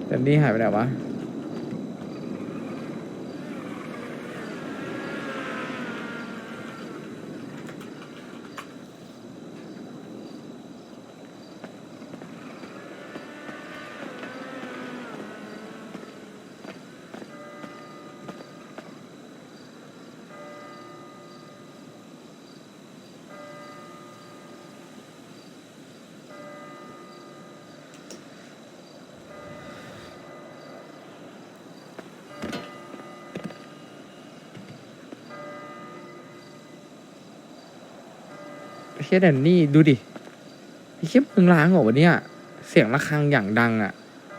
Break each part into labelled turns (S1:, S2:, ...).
S1: แดนนี่หายไปไหนวะเฮียแดนนี่ดูดิไอ้เฮียมึงล้างเหรอวะเนี่ยเสียงระฆังอย่างดังอ่ะ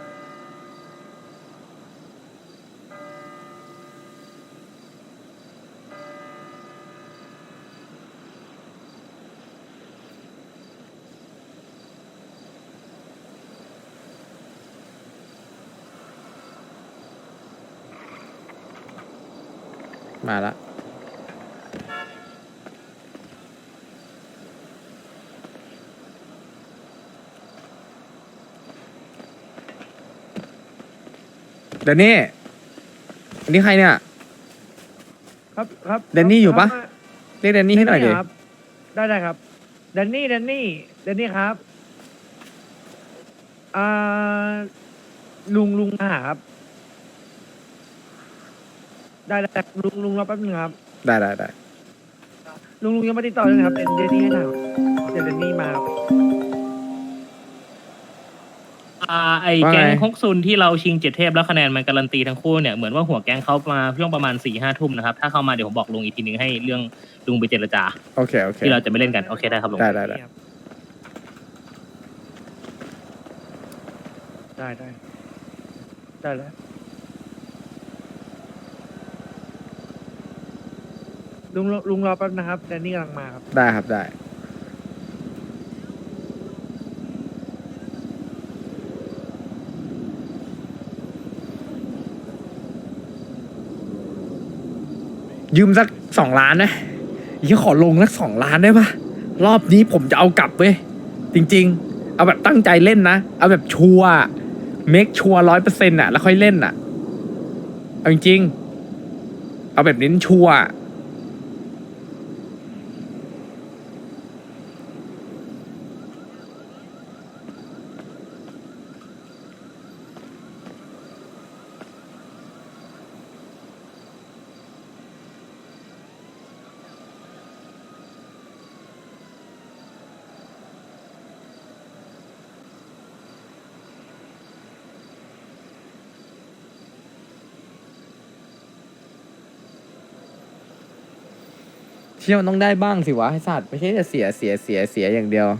S1: มาละแดนนี่อันนี้ใครเนี่ย
S2: ครับ
S1: แดนนี่อยู่ปะ เรียกแดนนี่ให้หน่อยดิ
S2: ครับได้ครับแดนนี่ครับอ่าลุงมาหาครับได้ลุงรอแป๊บนึงครับ
S1: ได้
S2: ลุงยังไม่ติดต่อเลยนะครับเดนนี่ให้หน่อยเดี๋ยวเดนนี่มาครับ
S3: ไอ้แก๊งฮกซุนที่เราชิง7 เทพแล้วคะแนนมันการันตีทั้งคู่เนี่ยเหมือนว่าหัวแก๊งเขามาช่วงประมาณ4-5 ทุ่มนะครับถ้าเข้ามาเดี๋ยวผมบอกลุงอีกทีนึงให้เรื่องลุงไปเจรจา
S1: โอเค
S3: ที่เราจะไม่เล่นกันโอเคได้ครับลุง
S1: ได้
S2: ได้แล้วลุงรอแป๊บนะครับแดนนี่กำลังมาครับ
S1: ได้ครับได้ยืมสัก2 ล้านนะยี่ขอลงสัก2 ล้านได้ปะรอบนี้ผมจะเอากลับเว้ยจริงๆเอาแบบตั้งใจเล่นนะเอาแบบชัวร์เมคชัวร์100%อ่ะแล้วค่อยเล่นอ่ะเอาจริงๆเอาแบบเน้นชัวร์เที่ยวมันต้องได้บ้างสิวะไอ้สัตว์ไม่ใช่จะเสียอย่างเดียว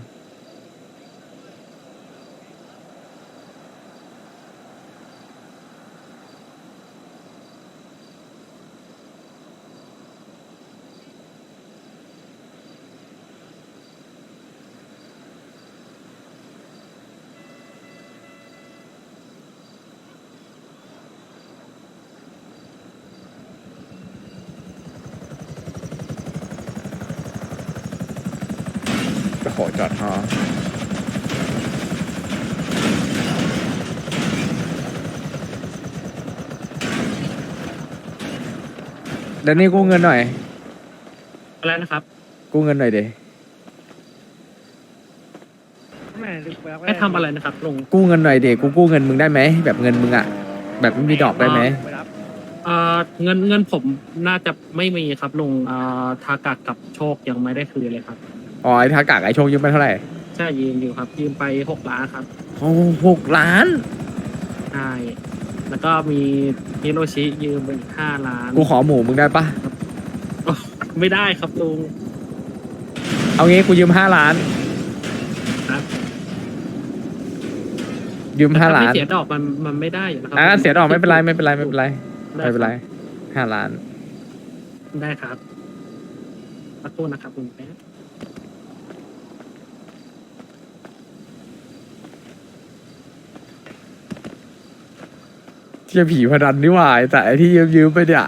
S1: โอ้โหจอดฮอเดี๋ยวนี้กู้เงินหน่อย
S3: อะไรนะครับ
S1: กู้เงินหน่อยดิ
S2: แม่ลุงไปรับ
S3: ให้ทำอะไรนะครับลุง
S1: กู้เงินหน่อยดิกูกู้เงินมึงได้ไหมแบบเงินมึงอะแบบไม่มีดอกได้ไหม
S2: ไปรับ
S3: เงินผมน่าจะไม่มีครับลุงทากากับโชคยังไม่ได้คืนเลยครับ
S1: อ๋อไอ้ทากากไอ้โชคยืมไปเท่าไหร่
S3: ใช่ยืมอยู่ครับยืมไป6 ล้านครับ
S1: โอ้6 ล้าน
S3: ใช่แล้วก็มีฮิโรชิยืมไปอีก5 ล้าน
S1: กูขอหมูมึงได้ปะ
S3: ไม่ได้ครับลุง
S1: เอางี้กูยืม5 ล้าน
S3: ครับ
S1: ยืม5 ล้าน
S3: ถ้ไม่เสียดอกมันไม่ได้อยู่นะครั
S1: เสียดอกไม่เป็นไรไม่เป็นไร
S3: ด้
S1: 5 ล้าน
S3: ได้ครับขอโทษนะครับลุงแป๊บ
S1: เที่ยผีพนันนี่หว่าไอ้แต่ไอ้ที่ยืมไปเนี่ย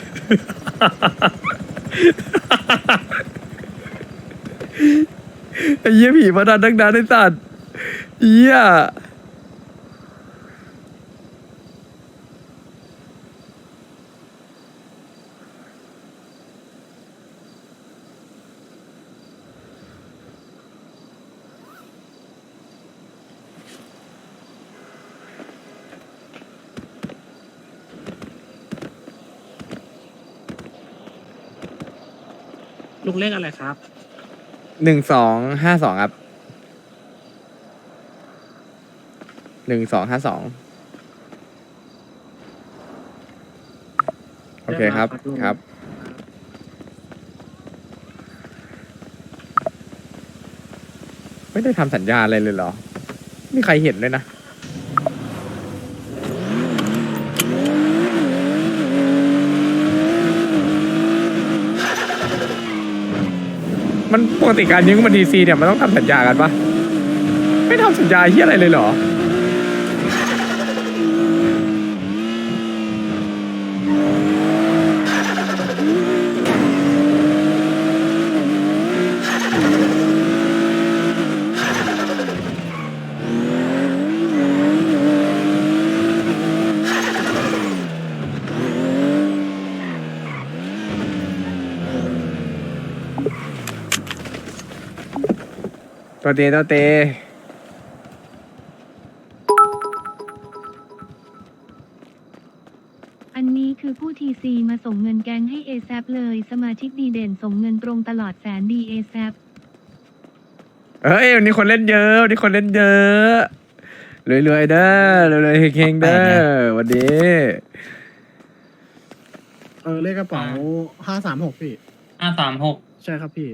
S1: ไอ้เหี้ยผีพนันดังนั้นไอ้สัตว์เหี้ย
S4: ลุงเลขอะไรครับ
S1: 1252ครับ1252โอเคครับครับ ไม่ได้ทำสัญญาอะไรเลยเหรอไม่มีใครเห็นเลยนะ มันปกติการยืมเงินทีซีเนี่ยมันต้องทำสัญญากันปะไม่ทำสัญญาเฮียอะไรเลยเหรอ ตัวเตตัวเต
S5: อันนี้คือผู้ทีซีมาส่งเงินแก๊งให้ ASAP เลย สมาชิกดีเด่นส่งเงินตรงตลอดแสนดี ASAP
S1: เฮ้ยวันนี้คนเล่นเยอะวันนี้คนเล่นเยอะรวยๆเด้อรวยๆเฮงๆเด้อวันนี้
S4: เลขกระเป๋า536พี่
S3: 536
S4: ใช่ครับพี่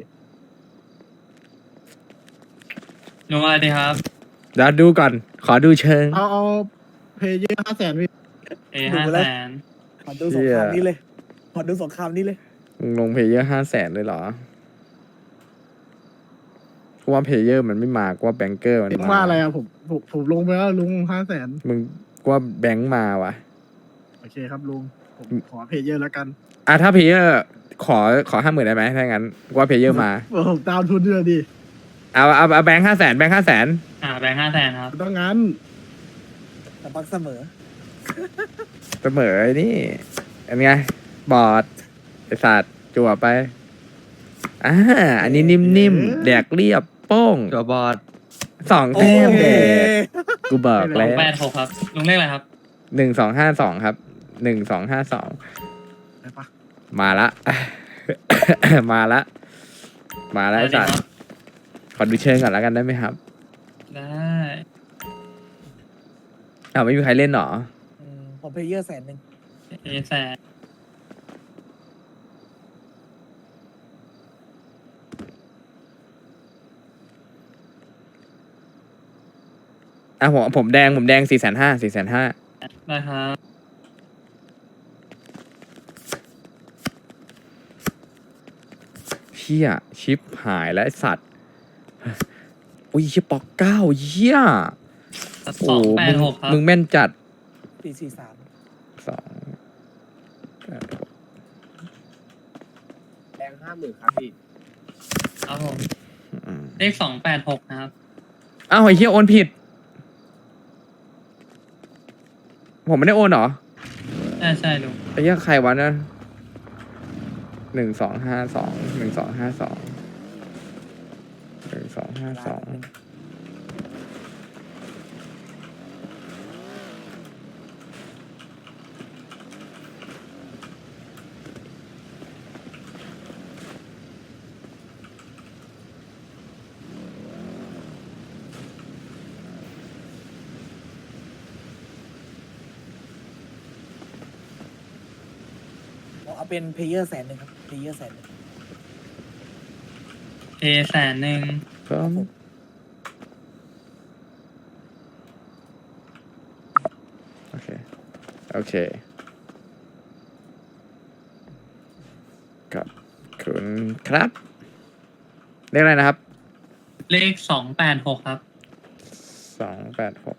S3: ลุงอะไรดีครับ
S1: เดี๋ยวดูก่อน ขอดูเชิง
S4: เอาเพย์เยอร์500,000พี่
S3: 500,000
S2: ขอดูสงครามนี้เลยขอดูสงครามนี้เลย
S1: มึงลงเพลเยอร์500,000เลยเหรอกูว่าเพลเยอร์มันไม่มากว่าแบงเกอร์มัน
S4: ลุง
S1: มา
S4: ว่าอะไรอะผมลงไปแล้วลุง500,000
S1: มึงกูว่าแบงค์มาว่ะ
S4: โอเคครับลุงผมขอเพย์เยอร์แล้วกัน
S1: อ่ะถ้าเพลเยอร์ขอ50,000ได้ไหมถ้างั้นกูว่าเพลเยอร์มา
S4: ผมตามทุนด้วยดิ
S1: เอาแบงค์500,000แบงค์500,000
S3: แบงค์500,000 ครับ
S4: ต้องงั้น
S2: แต่ปักเสมอ
S1: เสมอไอ้นี่อันไงบอดไอสัตว์จั่วไปอันนี้นิ่มๆแดกเรียบโป้ง
S6: ตัวบอด
S1: 2 แต้มแดกกูบอกแล้ว
S3: 86 ครับ ลุงเลขอะไรครับ
S1: 1252ครับ1252
S4: ไปปะ
S1: มาละ มาละไอสัตว์ขอดูเชิงก่อนแล้วกันได้ไหมครับ
S3: ได้
S1: ไม่มีใครเล่นหรอ
S2: ผมเพย์เยอร์100,000
S3: แสน
S1: ผมแดง450,000 450,000
S3: ได้ครับ
S1: เฮียชิปหายแล้วไอสัตว์อุ้ยเฮียปอกเก้าเฮียโอ้มึงแม่นจัด
S2: 443
S1: 2
S6: แดง50,000ครับพี่
S3: ครับผม เลข286 นะครับ
S1: อ้าวไอ้เฮียโอนผิด ผมไม่ได้โอนเหรอ
S3: ใช่ลุง
S1: ไอ้เฮียใครวะนะ1252 1252
S2: เอาเป็นเพย์เยอร์100,000ครับเพย์เยอร์100,000
S3: 100,000
S1: ครับโอเคครับคุณครับเรียกอะไรนะครับ
S3: เลข286 ครับ
S1: 286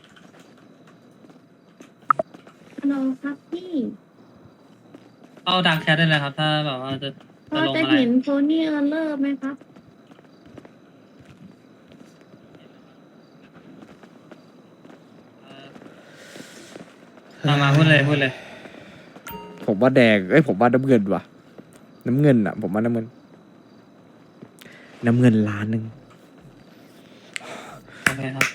S5: ฮัลโหลครับพี่
S3: เอาดักแชทได้เลยครับ ถ้าแบบว่าจะ
S5: พอ
S3: ลง
S5: จะ
S3: อะไร
S5: เห็นโทนี่เออร์เลอร์ไหมครับ
S3: มาพูดเลย
S1: ผมว่าแดงผมว่าน้ำเงินว่ะ น้ำเงินอ่ะ ผมว่าน้ำเงินล้านหนึ่ง
S3: โอเคครับ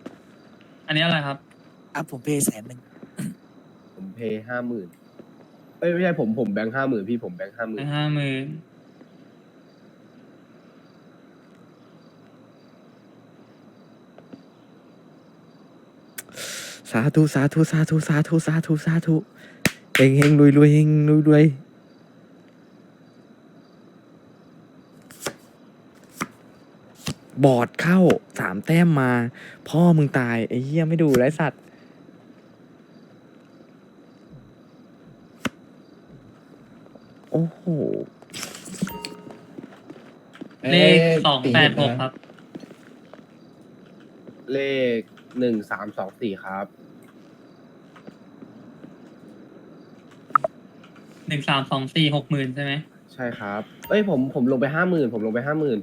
S3: อันนี้อะไรครับ
S2: ผมเพย์100,000
S6: ผมเพย์50,000 เอ้ยไม่ใช่ผมแบงค์50,000พี่ผมแบงค์50,000
S7: 50,000
S1: สาธุสาธุสาธุสาธุสาธุสาธุเฮงเฮงรวยรวยเฮงรวยรวยบอดเข้า3 แต้มมา พ่อมึงตายไอ้เหี้ยไม่ดูไรสัตว์โอ้โห
S7: เลข286ครับ
S6: เลข1324ครับ
S7: 1324 60,000ใช่ไหม
S6: ใช่ครับเอ้ยผมลงไป50,000ผมลงไป50,000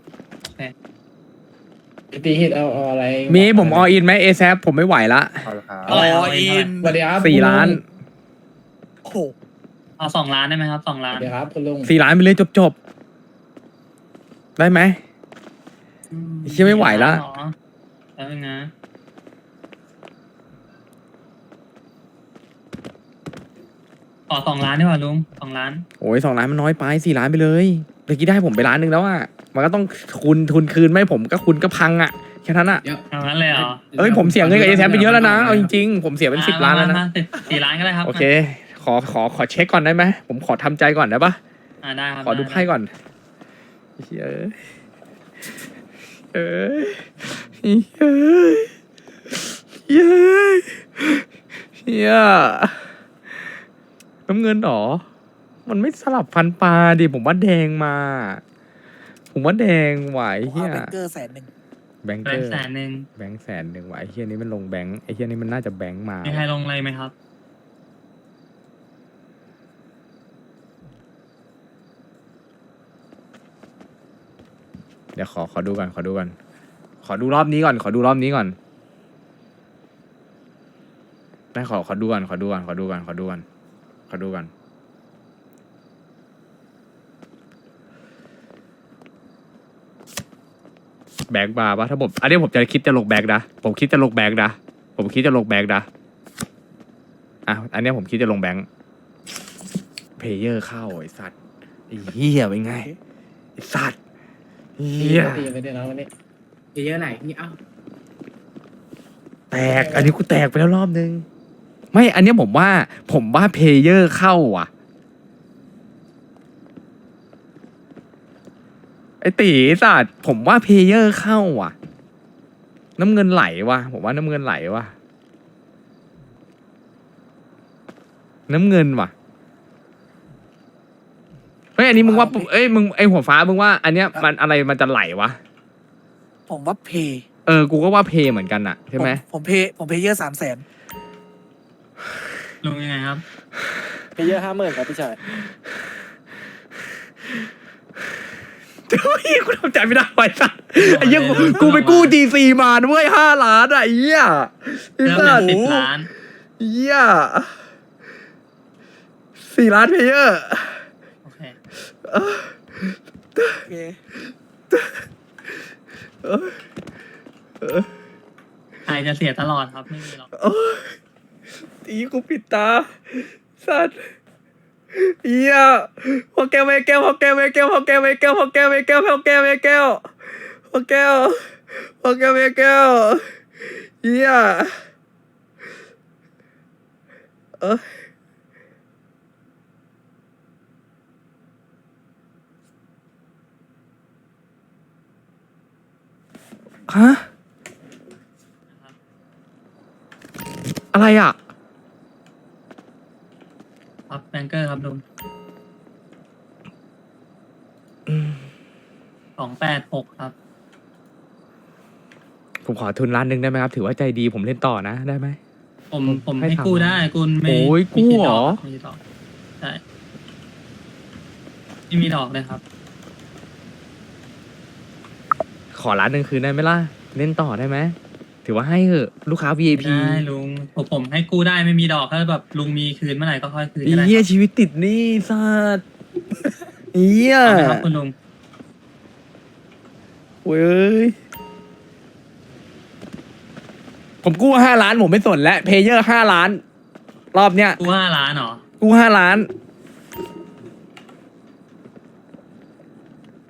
S8: ตีฮิตเอาอะไร
S1: มีผมออินไหมเอแซผมไม่ไหวละ
S6: เอาละครับ
S7: เอาอิน
S8: สวัสดีครับ
S1: 4 ล้าน
S2: โอ้โห
S7: เอา2 ล้านได้ไหมครับ2
S8: ส
S7: ล้าน
S8: วัสดีครับคุณลุง
S1: 4 ล้านไปเลยจบได้ไหม เหี้ยไม่ไหวละ
S7: เหรอแล้วนะ ขอ2 ล้านดีกว่าลุง2 ล้าน
S1: โอ้ย2 ล้านมันน้อยไป4 ล้านไปเลยเมื่อกี้ได้ผมไป1 ล้านแล้วอ่ะมันก็ต้องทุนคืนไม่ผมก็คุณก็พังอ่ะแค่นั้นอ่ะ
S7: เอางั้นเลยเหรอ
S1: เอ้ยผมเสียเงินกับเอแซไปเยอะแล้วนะเอาจริงๆผมเสียเป็น10 ล้านแล้วนะ
S7: มา4 ล้านก็ได้ครับ
S1: โอเค ขอเช็คก่อนได้ไหมผมขอทำใจก่อนได้ปะ
S7: ได้ครับ
S1: ขอดูไพ่ก่อนเฮ้ยเฮ้ยเฮ้ยเฮียน้ำเงินหรอมันไม่สลับฟันปลาดิผมว่าแดงมา ผมว่าแดงไหวเฮีย
S2: แบงเกอร์100,000
S1: แบงค์
S7: แบ
S1: เก
S7: ง
S1: อ
S7: ค์
S1: ร์
S7: 100,000
S1: แบงค์100,000ไหวเฮียนี้มันลงแบงค์ไอเฮียนี้มันน่าจะแบงค์มา
S7: มีใครลงเลยไหมครับ
S1: เดี๋ยวขอดูก่อนขอดูรอบนี้ก่อนได้ขอดูก่อนแบงค์มาปะถ้าผมอันนี้ผมจะคิดจะลงแบงค์นะผมคิดจะลงแบงค์นะอ่ะอันนี้ผมคิดจะลงแบงค์เพลเยอร์เข้าไอ้สัตว์ไอ้เหี้ยเป็นไงไอ้สัตว์เหี้ย
S8: ตีไปด้วยนะวันนี้เยอะไหนนี่เอ้า
S1: แตกอันนี้กูแตกไปแล้วรอบนึงไม่อันเนี้ยผมว่าเพลเยอร์เข้าว่ะไอตีสัตว์ผมว่าเพลเยอร์เข้าว่ะน้ำเงินไหลว่ะผมว่าน้ำเงินไหลว่ะน้ำเงินว่ะเฮ้ยอันนี้มึงว่าเอ้ยมึงไอหัวฟ้ามึงว่า อันเนี้ยมันอะไรมันจะไหลวะ
S2: ผมว่าเพย์
S1: กูก็ว่าเพเหมือนกันอะใช่ไหม
S2: ผมเพย์เยอะ300,000
S7: ลงยังไงครับ
S2: เพย์เยอะ50,000ครับพี่ชาย
S1: เฮ้ยกูทำใจไม่ได้ไว้สัตว์ไอ้เหี้ยกูไปกู้ GC มาด้วย5 ล้านอะไอ้เหี้ยไอ้
S7: เริ่ม
S1: สั
S7: เป็
S1: ต
S7: น
S1: ว์
S7: 10 ล้าน
S1: เหี้ย4 ล้านเพลเยอร์
S7: โอเค
S2: โอเค
S7: ใครจะเสียตลอดครับ ไม่มีหรอก
S1: ตีกูปิดตาสัตว์เหี้ยพอแก้วเหี้ยพอแก้วเหี้ยฮะอะไรอ่ะ
S7: ครับแบงเกอร์ครับลุง286ครับ
S1: ผมขอทุน1 ล้านได้ไหมครับ ถือว่าใจดีผมเล่นต่อนะได้ไหม
S7: ผม
S1: ให้
S7: ให้
S1: ทำ
S7: กู้ได้คุณไม่
S1: โอ้ย
S7: ไม่คิด
S1: กู้เหรอ
S7: ดกไม่คิดดอกใช่ไม่มีดอกเลยครับ
S1: ขอ1 ล้านคืนได้ไหมล่ะเล่นต่อได้ไหมถือว่าให้เหอะลูกค้า VIP
S7: ได้ลุงผมให้กู้ได้ไม่มีดอกถ้าแบบลุงมีคืนเมื่อไหร่ก็ค่อยคืนก็ได้
S1: เหี้ย
S7: ครับ
S1: ชีวิตติดหนี้สัตว์เหี้ย
S7: เอาไหมครับคุณลุง
S1: เว้ยผมกู้5 ล้านผมไม่สนแล้วเพเยอร์5 ล้าน รอบเนี้ย
S7: กู้5 ล้านเหรอ
S1: กู้5 ล้าน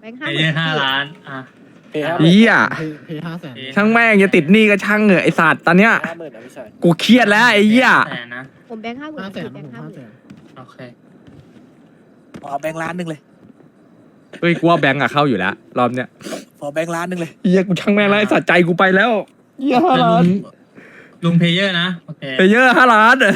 S9: บงค์
S7: เพย์เยอร์5 ล้านอ่ะ
S1: เฮีย
S4: เพย์500,000
S1: ช่างแม่งจะติดหนี้ก็ช่างเหอะไอสัตว์ตอนเนี้ย
S2: 50,000นะพี่ชาย
S1: กูเครียดแล้วไอ้เหี้ย
S7: แสนนะ
S9: ผมแบงค์50,000
S4: 500,000
S9: แบงค์
S4: ผม
S9: 50,000
S4: 500,000
S7: โอเค
S2: เอาแบงค์ล้านหนึ่งเลย
S1: เฮ้ยกูว่าแบงก์อะเข้าอยู่แล้วรอบเนี้ย
S2: ขอแบงค์ล้านหนึ่งเลย
S1: เฮียกูช่างแม่งแล้วไอสัตว์ใจกูไปแล้วเฮีย5 ล้าน
S7: ลุงเพย์เยอร์นะโอเค
S1: ไปเยอะ5 ล้าน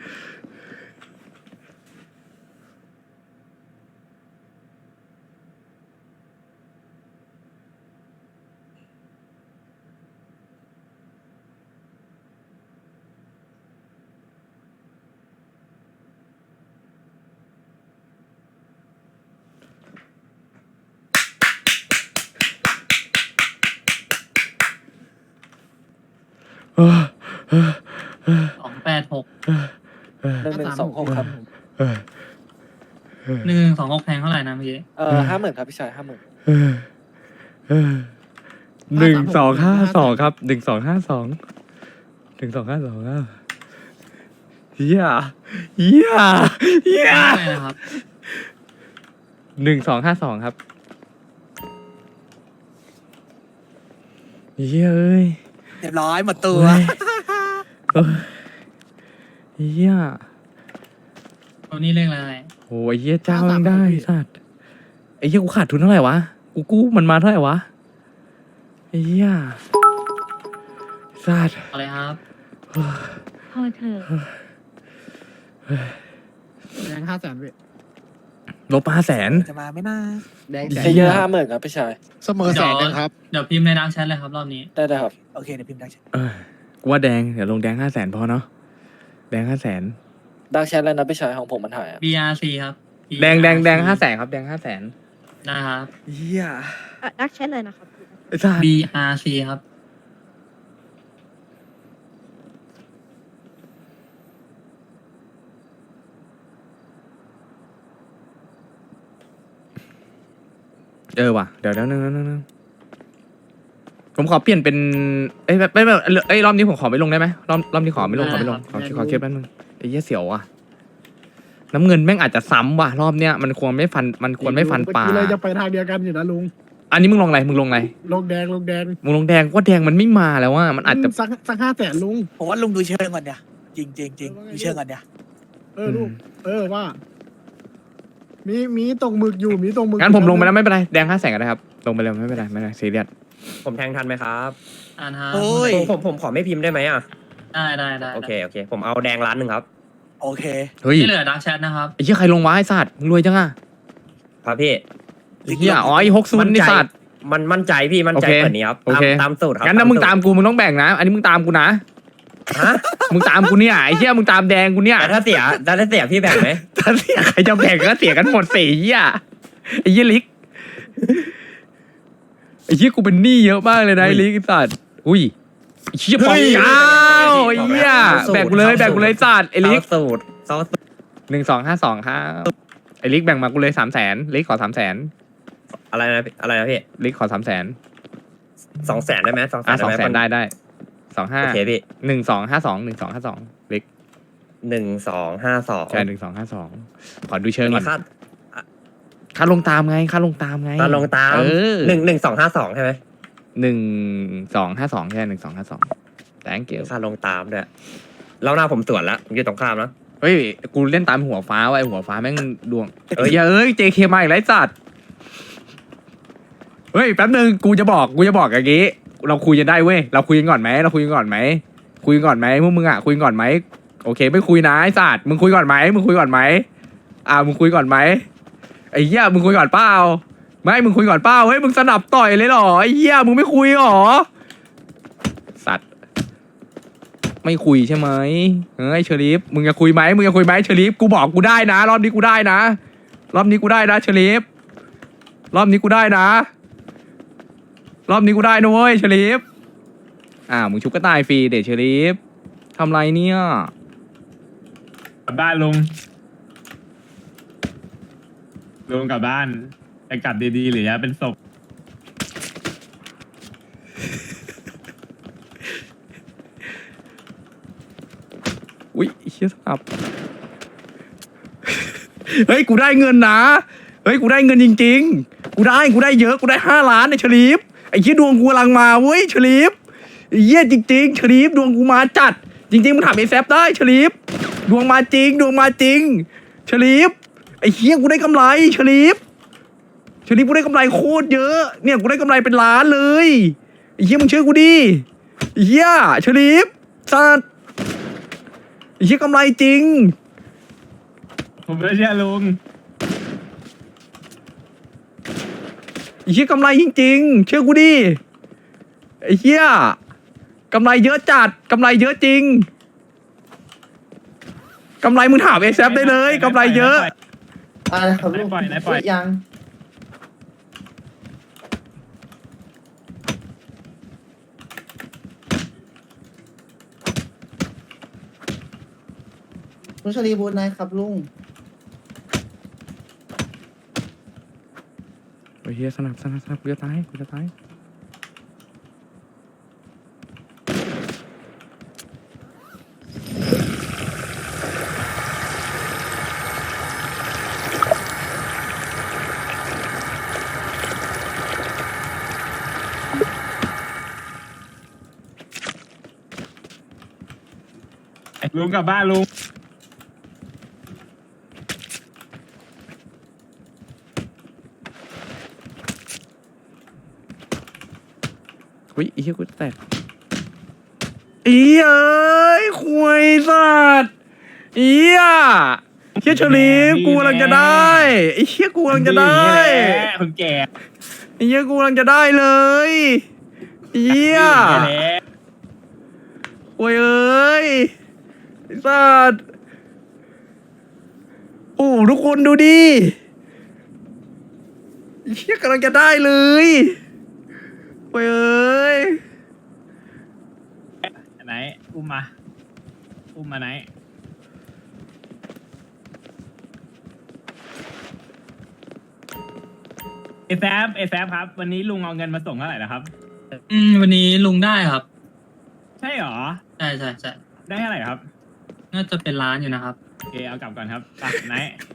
S7: 286
S2: 1126ครับ
S7: 1126แพงเท่าไหร่นะเมื่อกี้
S2: 50,000ครับพี่ชาย50,000
S1: 1252ครับ1252ครับเฮียเฮียเฮีย
S7: ไม่นะครับ
S1: 1252ครับเฮียเอ้ย
S2: เรียบร้อยหมดตัว
S1: เอ้ยเฮีย
S7: ตัวนี้เลขอะไร
S1: โอ้ยเฮียเจ้ายังได้สัตว์ไอ้เฮียกูขาดทุนเท่าไหร่วะกูกู้มันมาเท่าไหร่วะไอ้เฮียสัตว์
S7: อะไรครับ
S5: พอเถอะ
S4: แดง500,000พี่
S1: ลบ500,000
S2: จะมาไม่น่า
S4: แดง
S2: เพย์เยอร์50,000ครับพี่ชาย
S4: เสมอแสนนึงครับ
S7: เดี๋ยวพิมพ์ในดังแชทเลยครับรอบนี้
S2: ได้ครับโอเคเดี๋ยวพิมพ์ดังแชท
S1: กูว่าแดงเดี๋ยวลงแดง500,000พอเนาะแดง500,000
S2: ดังแชทแล้วนะพี่ชายของผมมันหายอะ
S7: BRC ครับ
S1: แดง500,000ครับแดง500,000
S7: นะครับ
S1: เฮีย
S9: ดักแชทเลยนะครับ
S1: ไอ้สัตว์
S7: BRC ครับ
S1: ว่ะเดี๋ยวนึงผมขอเปลี่ยนเป็นเอ้ยแบบรอบนี้ผมขอไม่ลงได้ไหมรอบนี้ขอไม่ลงขอเคลียร์แป๊บนึงไอ้เหี้ยเสียวอ่ะน้ำเงินแม่งอาจจะซ้ำว่ะรอบเนี้ยมันควรไม่ฟันปลา
S4: เมื่อกี้เลยจะไปทางเดียวกันอยู่นะลุง
S1: อันนี้มึงลงอะไรมึงลง
S4: ลงแดง
S1: มึงลงแดงว่าแดงมันไม่มาแล้วว่ามันอาจจะ
S4: สัก500,000ลุง
S2: ผมว่าลุงดูเชิงก่อนเนี่ยจริงดูเชิงก่อนเนี่ย
S4: ลูกว่า มีตรงหมึกอยู่มีตรงหมึก
S1: งั้นผมลงไปแล้วไม่เป็นไรแดง500,000ก็ได้ครับลงไปเลยไม่เป็นไรซีเรียส
S6: ผมแทงทันไหมครับ
S7: อ่านครับ
S2: โอ้ย
S6: ผมขอไม่พิมพ์ได้ไหมอ่ะ
S7: ได้
S6: โอเคผมเอาแดงล้านหนึ่งครับ
S2: โอเค
S1: เฮ้ย
S7: ที่เหลือดังแชทนะครับ
S1: ไอ้เหี้ยใครลงวะไอ้สัตว์มึงรวยจังอ่ะ
S6: ครับพี่
S1: ไอ้เหี้ยอ๋อไอ้60ไอ้สัตว์
S6: มันมั่นใจพี่มั่นใจ
S1: โอเค
S6: เหมือนนี้ครับ
S1: โอเค
S6: ตามสูตรครับ
S1: งั้นถ้ามึงตามกูมึงต้องแบ่งนะ อันนี้มึงตามกูนะ
S6: ฮะ
S1: มึงตามกูเนี่ยไอ้เหี้ยมึงตามแดงกูเนี่ย
S6: แต่ถ้าเสียพี่แบ่งไหม
S1: ถ้าเสียใครจะแบ่งก็เสียกันหมดสี่เหี้ยไอ้เหี้ยลิกไอ้เหี้ยกูเป็นหนี้เยอะมากเลยนะไอ้ลิกไอ้สัตว์อุ้ยไอ้เหี้ยปองเก้าไอ้เหี้ยแบ่งกูเลยสัตว์ไอ้ลิก
S6: เซาสูตร
S1: 1252ครับไอ้ลิกแบ่งมากูเลย300,000ลิกขอ300,000
S6: อะไรนะพี่
S1: ลิกขอ300,000
S6: 200,000ได้ไหม200,000
S1: อ่ะ
S6: ได้ไหม
S1: 200,000ได้25
S6: โอเคพี่
S1: 1252ลิก
S6: 1252
S1: ใช่1252ขอดูเชิงก่อน
S6: ค่า
S1: ค่าลงตามไง
S6: ตาลงตาม
S1: เออ
S6: 1252ใช่ไหม
S1: 1252ใช่1252 thank you
S6: ค่าลงตามด้วยแล้วหน้าผมสวนแล้วผมอยู่ตรงข้ามนะ
S1: เฮ้ยกูเล่นตามหัวฟ้าว่ะไอ้หัวฟ้าแม่งดวง
S6: เอ้ย
S1: เอ้ย JK มาอีกแล้วไอ้สัตว์เฮ้ยแป๊บนึงกูจะบอกอย่างงี้เราคุยกันได้เว้ยเราคุยกันก่อนไหมพวกมึงอ่ะคุยกันก่อนไหมโอเคไม่คุยนะไอ้สัตว์มึงคุยก่อนไหมมึงคุยก่อนไหมไอ้เหี้ยมึงคุยก่อนเปล่าไม่มึงคุยก่อนเปล่าเฮ้ยมึงสนับต่อยเลยเหรอไอ้เหี้ยมึงไม่คุยเหรอสัตว์ไม่คุยใช่ไหมเฮ้ยเชอริฟมึงจะคุยไหมเชอริฟกูบอกกูได้นะรอบนี้กูได้นะเชอริฟรอบนี้กูได้นะเว้ยเชอริฟมึงชุบก็ตายฟรีเดชเชอริฟทำไรเนี่ย
S10: กลับบ้านลุงกลับบ้านไปกลับดีๆหรือจะเป็นศพ
S1: อุ๊ยเชี่ยสับ เฮ้ยกูได้เงินนะเฮ้ยกูได้เงินจริงๆกูกูได้เยอะกูได้5 ล้านในเฉลีฟไอ้เหี้ยดวงกูกำลังมาเว้ยเฉลีฟไอ้เหี้ยจริงๆเฉลีฟดวงกูมาจัดจริงๆมึงถามไอ้แซฟได้เฉลีฟดวงมาจริงเฉลีฟไอ้เหี้ยกูได้กำไรเฉลีฟกูได้กำไรโคตรเยอะเนี่ยกูได้กำไรเป็นล้านเลยไอ้เหี้ยมึงเชื่อกูดิไอ้เหี้ยเฉลีฟสัตว์ไอ้เหี้ยกำไรจริง
S10: ผมไม่เชื่อลุง
S1: ไอ้เหี้ยกำไรจริงๆเชื่อกูดิไอ้เหี้ยกำไรเยอะจัดกำไรเยอะจริงกำไรมึงถามเอซได้เลยกำไรเยอะ
S2: ครับลูก
S10: ปล่อย
S2: ยังลุงชลีบูนนะครับลุง
S1: ไอ้เหี้ยสนับกูจะตาย
S10: ลุงกลับบ้านลุง
S1: เฮ้ยไอ้เหี้ยกูจะแตกอีเอ้ยคุยสัตว์อีอ่ะเหี้ยเฉลีฟกูกำลังจะได้ไอ้เหี้ยกูกำลังจะได้
S10: คนแก่
S1: ไอ้เหี้ยกูกำลังจะได้เลยเหี้ยโอ้ยเอ้ยไอ้สัตว์โอ้ทุกคนดูดิไอ้เหี้ยกำลังจะได้เลยโอ้ยเอ้ย
S10: ไหนอุ้มมาไหนเอแซฟครับ วันนี้ลุงเอาเงินมาส่งเท่าไหร่แล้วครับ
S7: วันนี้ลุงได้ครับ
S10: ใช่หรอ
S7: ใช่
S10: ได้เท่าไหร่ครับ
S7: น่าจะเป็นล้านอยู่นะครับ
S10: โอเคเอากลับก่อนครับไปไหน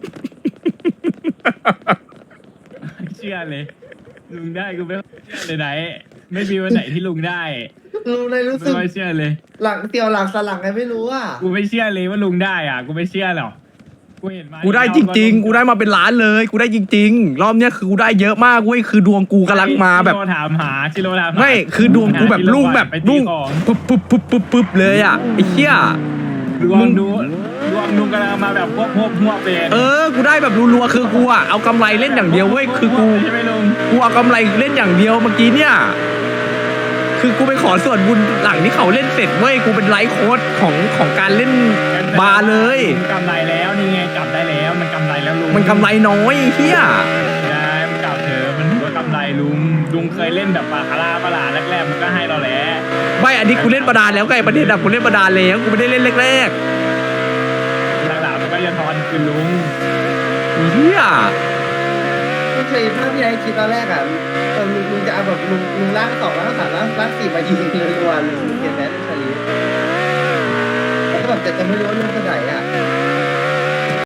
S10: เชื่อเลย ลุงได้กูไม่เชื่อเลยไหน ไม่มีวันไหนที่ลุงได้
S2: ลุงเลยรู้สึ
S10: ไม่
S2: ก
S10: ค่อยเชื่อเลย
S2: หลังเตียวหลังสลังไงไม่รู้อ่ะ
S10: กูไม่เชื่อเลยว่าลุงได้อ่ะ กูไม่เชื่อหรอกกูเห็นมา
S1: กูได้จริงๆ กูได้มาเป็นล้านเลย กูได้จริงๆ รอบเนี้ยคือกูได้เยอะมากเว้ย คือดวงกูกำลังมาแบบ
S10: ชิโร่ถามหา
S1: ไม่ คือดวงกูแบบรุ่งแบบรุ่งปุ๊บเลยอ่ะไอ้เหี้ย
S10: ดวงดูดวงลุงกำลังมาแบบพวกเลย
S1: กูได้แบบรัวๆ คือกูอ่ะเอากำไรเล่นอย่างเดียวเว้ย คือกู
S10: ใช่ไหมลุง
S1: กูเอากำไรเล่นอย่างเดียวเมื่อกี้เนี่ย คือกูไปขอส่วนบุญหลังที่เขาเล่นเสร็จเว้ย กูเป็นไลฟ์โค้ดของการเล่นบาร์เลย
S10: กำไรแล้วนี่ไงกลับได้แล้วมันกำไรแล้วลุง
S1: มันกำไรน้อยไอ้เหี้ย
S10: ได้มันกลับเถอะมันถือว่ากำไรลุงเคยเล่นแบบบาคาร่าปลาแรกๆมันก็ให้เราแหละ
S1: ไม่อันนี้กูเล่นบาดาลแล้วไงประเด็นอะกูเล่นบาดาลแล้วกูไม่ได้เล่นแรก
S10: หลังๆมันก็จะทอนคือลุง
S1: ๆไอ้เหี้ย
S2: ลุงชลีถ้าพี่ไอ้คิดตอนแรกอ่ะลุงจะเอาแบบลุงล่าง2ล่าง3ล่าง4มายิงเลยรัวลุงเห็นไหมลุงชลีแล้วก็แบบจะไม่รู้ว่าลุงจะไหนอ่ะ